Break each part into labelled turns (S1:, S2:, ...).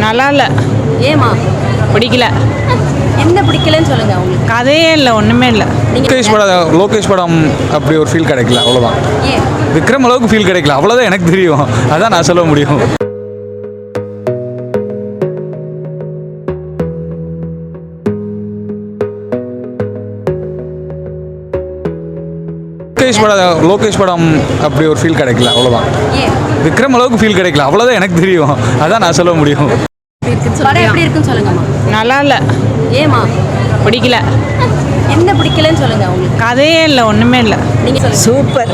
S1: நல்லா இல்லை.
S2: ஏமா
S1: பிடிக்கல.
S2: என்ன பிடிக்கலன்னு சொல்லுங்க உங்களுக்கு.
S1: கதையே இல்லை, ஒன்றுமே இல்லை.
S3: லோகேஷ் படம் அப்படி ஒரு ஃபீல் கிடைக்கல, அவ்வளோதான்.
S2: ஏன்
S3: விக்ரம் அளவுக்கு ஃபீல் கிடைக்கல, அவ்வளோதான் எனக்கு தெரியும். அதான் நான் சொல்ல முடியும். லோகேஷ் படம் அப்படி ஒரு ஃபீல் கிடைக்கல, அவ்வளோதான்.
S2: ஏன்
S3: விக்ரம் அளவுக்கு ஃபீல் கிடைக்கல, அவ்வளோதான் எனக்கு தெரியும். அதான் நான் சொல்ல முடியும்.
S2: படம் எப்படி இருக்குன்னு சொல்லுங்கம்மா.
S1: நல்லா இல்லை.
S2: ஏமா
S1: பிடிக்கல.
S2: என்ன பிடிக்கலன்னு சொல்லுங்க உங்களுக்கு.
S1: கதையே இல்லை, ஒன்றுமே இல்லை.
S2: நீங்க சொல்லுங்க.
S4: சூப்பர்,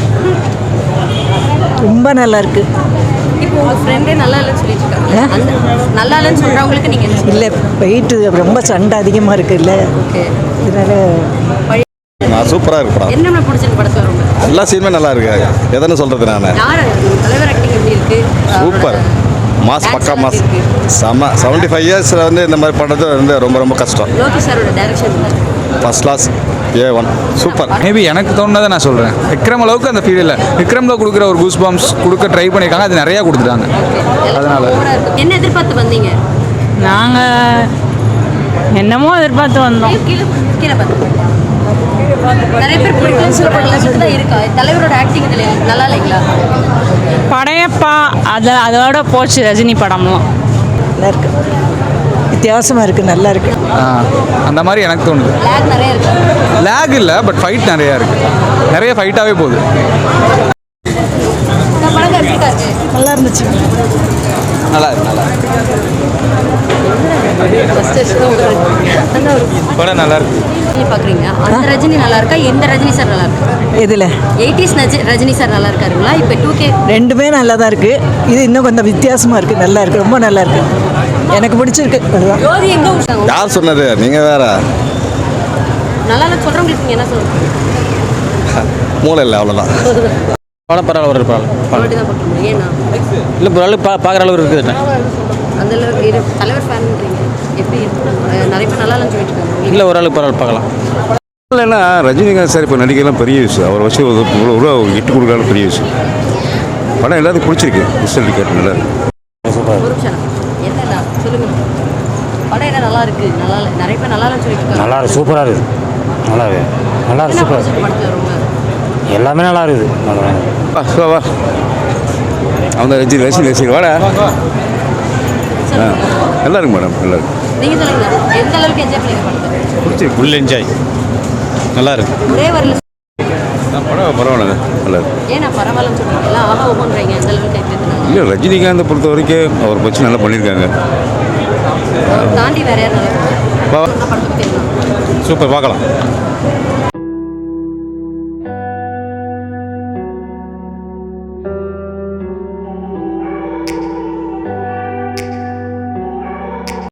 S4: ரொம்ப நல்லா இருக்கு.
S2: இப்போ உங்க ஃப்ரெண்டே நல்லா இல்லைன்னு சொல்லிட்டு இருக்காங்க. அந்த நல்லா இல்லைன்னு சொல்றவங்களுக்கு நீங்க என்ன சொல்லுங்க.
S4: இல்லை, வெயிட்டு ரொம்ப சண்டை அதிகமாக இருக்குல்ல,
S2: ஓகே.
S4: இதனால
S5: நான் சூப்பராக இருக்கு படம்.
S2: என்ன பிடிச்சிருக்கு படத்துல ரொம்ப?
S5: எல்லா சீனுமே நல்லா இருக்கு. எதன்னு சொல்றது நான்.
S2: யார் தலைவர் ஆக்டிங் எப்படி இருக்கு?
S5: சூப்பர் மாஸ், பக்கா மாஸ். செம்ம. 75 இயர்ஸில் வந்து இந்த மாதிரி பண்ணுறது வந்து ரொம்ப ரொம்ப கஷ்டம்.
S2: லோகேஷ் சாரோட direction
S5: first class, A1 super.
S3: Maybe எனக்கு தோணுனதை நான் சொல்கிறேன். விக்ரம் அளவுக்கு அந்த ஃபீல் இல்லை. விக்ரமில் கொடுக்குற ஒரு கூஸ் பாம்ஸ் கொடுக்க ட்ரை பண்ணியிருக்காங்க, அது நிறையா கொடுத்துட்டாங்க. அதனால
S2: என்ன எதிர்பார்த்து வந்தீங்க?
S1: நாங்கள் என்னமோ எதிர்பார்த்து வந்தோம்.
S2: கீழே கீழே பார்த்து நிறைய பேர் பிடிக்கலன்னு சொல்ல இருக்கா? தலைவரோட ஆக்டிங் இதில் நல்லா இல்லைங்களா?
S1: படையப்பா அதோட போச்சு ரஜினி படம்லாம்.
S4: நல்லா இருக்கு, வித்தியாசமாக இருக்குது, நல்லா இருக்கு.
S3: அந்த மாதிரி எனக்கு தோணுது.
S2: லேக் நிறைய இருக்கு.
S3: லேக் இல்லை, பட் ஃபைட் நிறையா இருக்குது. நிறைய ஃபைட்டாகவே போகுது.
S2: இந்த படம் எப்படி இருக்கு?
S4: நல்லா இருந்துச்சு.
S3: நல்லா இருக்கு, நல்லா படம் நல்லா இருக்கு.
S2: பார்க்குறீங்க அந்த ரஜினி நல்லா இருக்கா, இந்த ரஜினி சார் நல்லா இருக்கா?
S4: இதில்
S2: 80s ரஜினி சார் நல்லா இருக்காருங்களா, இப்போ 2K?
S4: ரெண்டுமே நல்லா தான் இருக்குது. இது இன்னும் கொஞ்சம் வித்தியாசமாக இருக்குது, நல்லா இருக்குது, ரொம்ப நல்லா இருக்குது. எனக்கு பிடிச்சிருக்கு. அதுதான்.
S2: ஜோதி எங்கே விட்டாங்க?
S5: யார் சொன்னது? நீங்கள் வேற.
S2: நல்லா இல்லைன்னு சொல்கிறவங்களுக்கு நீங்கள் என்ன சொல்லுங்கள்?
S5: மூளை இல்லை, அவ்வளோதான்.
S6: படம் பரவாயில்ல, ஒரு
S2: அப்படி தான் பார்க்க முடியும். ஏன்னா
S6: இல்லை ஓரளவுக்கு பார்க்குற அளவு இருக்குது.
S2: அந்த தலைவர் ஃபேன்ன்றீங்க, எப்படி நிறைய பேர் நல்லா இல்லைன்னு சொல்லிட்டு இருக்காங்க.
S6: இல்லை ஓரளவுக்கு பரவாயில்ல, பார்க்கலாம்.
S7: இல்லைன்னா ரஜினிகாந்த் சார் இப்போ நடிக்கலாம் பெரிய விஷயம். அவர் வச்சு இவ்வளோ இட்டு கொடுக்காலும் பெரிய விஷயம். படம் எல்லாத்துக்கும் பிடிச்சிருக்கு. ரிசல்ட் கேட்டு நல்லா இருக்கு.
S2: ஒரு நிமிஷம் என்னடா சொல்லுங்க. படம் என்ன நல்லா இருக்கு, நல்லா இல்லை, நிறைய பேர் நல்லா இல்லைன்னு சொல்லிட்டு இருக்காங்க.
S6: நல்லா இருக்கு, சூப்பராக இருக்குது. நல்லா இருக்கு, நல்லா இருக்கு, சூப்பராக இருக்குது.
S2: படத்தில் ரொம்ப
S6: எல்லாமே நல்லா இருக்குது. நல்லா
S7: வா அவங்க ரசிகர் வாடா. நல்லா இருக்கு மேடம், நல்லா இருக்கு.
S2: நீங்கள் சொல்லுங்க, எந்த அளவுக்கு என்ஜாய் பண்ணீங்க படத்தை?
S7: பிடிச்சிருக்கு,
S6: ஃபுல் என்ஜாய், நல்லா இருக்கு.
S2: ஒரே வரல
S7: படம் பரவாயில்ல, நல்லா இருக்கு.
S2: ஏன்னா பரவாயில்லன்னு சொல்றீங்க, எல்லாம் ஆஹா ஓஹோன்றீங்க, எந்த அளவுக்கு கேட்குறதுனால
S7: இல்லை, ரஜினிகாந்தை பொறுத்த வரைக்கும் அவர் வச்சு நல்லா பண்ணியிருக்காங்க.
S2: தாண்டி வேற யாரும் நல்லா படத்துக்கு தெரியும்.
S6: சூப்பர், பார்க்கலாம்.